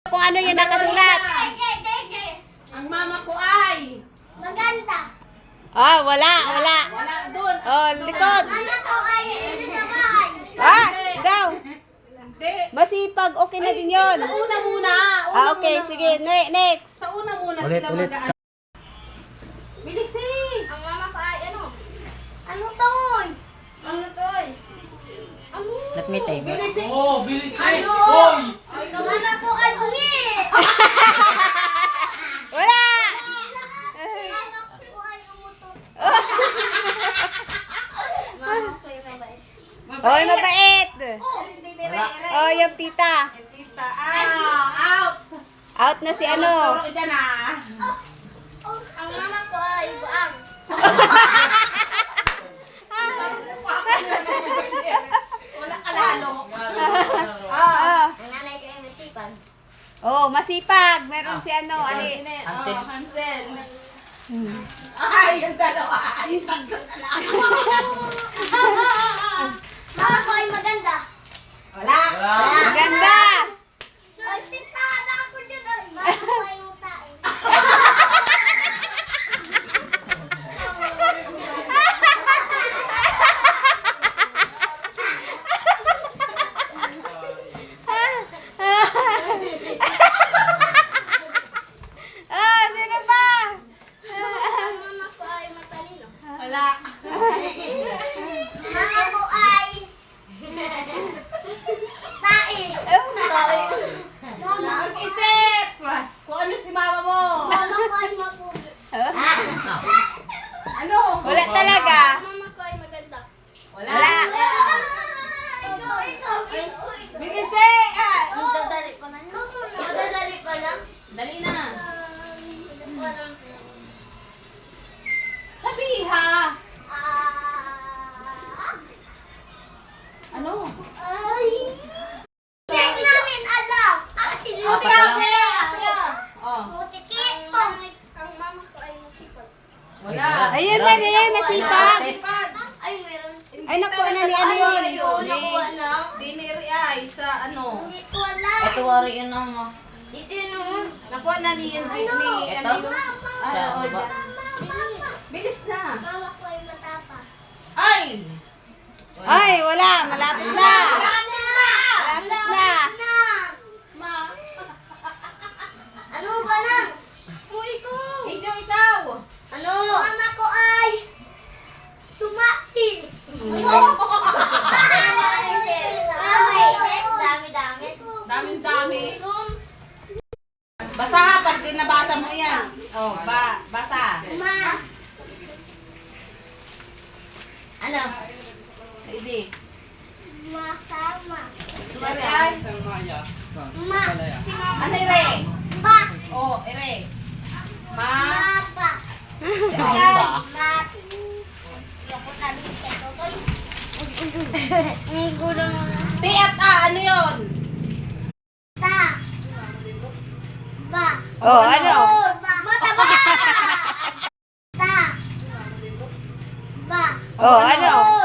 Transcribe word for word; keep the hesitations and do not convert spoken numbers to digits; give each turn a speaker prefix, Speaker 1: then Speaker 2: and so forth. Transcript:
Speaker 1: Kung ano yung nakasulat.
Speaker 2: Ang mama ko ay
Speaker 3: maganda.
Speaker 1: Ah, wala, wala.
Speaker 2: wala doon.
Speaker 1: Oh, likod.
Speaker 3: Mama ko ay hindi sa bahay.
Speaker 1: Ah, daw.
Speaker 2: Hindi.
Speaker 1: Masipag, okay na din yun.
Speaker 2: Sa una muna. Una
Speaker 1: Ah, okay,
Speaker 2: muna.
Speaker 1: sige. Ne- Next.
Speaker 2: Sa una muna
Speaker 4: Ulit,
Speaker 2: sila
Speaker 4: ulit.
Speaker 2: mag Bilis eh.
Speaker 3: Ang mama ko ay ano? Ano toy? Ano toy? Ano?
Speaker 5: Let me take it.
Speaker 2: Bilis eh.
Speaker 4: Oh, bilis eh.
Speaker 3: Ano?
Speaker 4: Hoy!
Speaker 3: Mama ko ay bungi.
Speaker 1: Wala.
Speaker 3: Mama ko ay umutot. Mama ko ay mabait.
Speaker 1: Oh, mabait.
Speaker 3: Oh,
Speaker 1: Oh, yung tita.
Speaker 2: Tita, ah, out.
Speaker 1: Out na si ano.
Speaker 2: Turo dyan ah.
Speaker 3: ang mama ko ay buang.
Speaker 2: Wala ka lalo.
Speaker 1: Ah.
Speaker 3: Ang nanay ko ay masipag.
Speaker 1: Oh, masipag. Meron si ano, ali.
Speaker 2: Hansel. Oh, Hansel.
Speaker 1: Hmm.
Speaker 2: Ay, yung dalawa. Ay, tatlo na lang.
Speaker 3: Mama ko ay maganda.
Speaker 2: Wala.
Speaker 1: Maganda.
Speaker 3: Ay, sintada ako dyan. Ay, mama ko ay utain.
Speaker 1: Ah, sino pa?
Speaker 3: Ang mama ko ay matalino.
Speaker 2: Wala.
Speaker 3: Mama ko ay tae. Mama ko
Speaker 2: Mag-isip. Kung ano si mama mo.
Speaker 3: Mama ko ay mapugi.
Speaker 2: Ano?
Speaker 1: Wala talaga.
Speaker 3: Mama ko ay maganda.
Speaker 2: Wala.
Speaker 1: Wala.
Speaker 3: Ikaw, ikaw, ikaw.
Speaker 2: Mag-isip. Ah.
Speaker 3: Magdadali pa lang. Magdadali pa lang.
Speaker 2: Dali na.
Speaker 3: Pa lang.
Speaker 2: Sabiha.
Speaker 3: Ah.
Speaker 2: Ano?
Speaker 3: Ay. Hindi namin alam. Ah, si
Speaker 5: Ah,
Speaker 3: Lucia.
Speaker 2: Kaya. Oh.
Speaker 3: Butikit po. Ang mama ko ay masipag.
Speaker 2: Wala.
Speaker 1: Ayun na rin, masipag.
Speaker 2: Sipag.
Speaker 3: Ay, meron.
Speaker 1: Ay, nakuha na ni ano yun.
Speaker 3: Ayun, nakuha na.
Speaker 2: Diniri ay sa ano.
Speaker 3: Hindi ko alam.
Speaker 5: Ito wari yun na mo.
Speaker 3: Dito yun naman.
Speaker 2: Nakuha na ni ni
Speaker 3: Ano?
Speaker 2: ano
Speaker 5: Ito?
Speaker 2: yun?
Speaker 5: Sa
Speaker 2: Ano, oh,
Speaker 5: baba.
Speaker 2: dyan. Bilis na.
Speaker 3: Mama ko ay matapa.
Speaker 2: Ay!
Speaker 1: Ay, wala. Malapit na.
Speaker 3: Malapit na!
Speaker 1: Malapit na.
Speaker 2: Ma.
Speaker 3: Ano ba na?
Speaker 2: Uy ko. Ikaw, ikaw.
Speaker 3: Ano? Mama ko ay tumati. Dami-dami.
Speaker 2: Daming-dami. Basa ha, pag nabasa mo yan. Oh, ba, basa.
Speaker 3: Ma. Ano?
Speaker 2: Hindi.
Speaker 3: Masama.
Speaker 2: Sumari ay.
Speaker 3: Ma. Si mama.
Speaker 2: Ano ire?
Speaker 3: Ba.
Speaker 2: Oh, ire. Ma.
Speaker 3: Mapa.
Speaker 2: Si
Speaker 5: Ano
Speaker 2: ay.
Speaker 5: ba?
Speaker 3: Ma. Loko sabi ka to, boy. Ang gulo mo na.
Speaker 2: T at A, ano yun?
Speaker 3: Ta. Ba.
Speaker 1: Oh, ano?
Speaker 3: Oh, ba. Mataba. Ta. Ba.
Speaker 1: Oh, ano?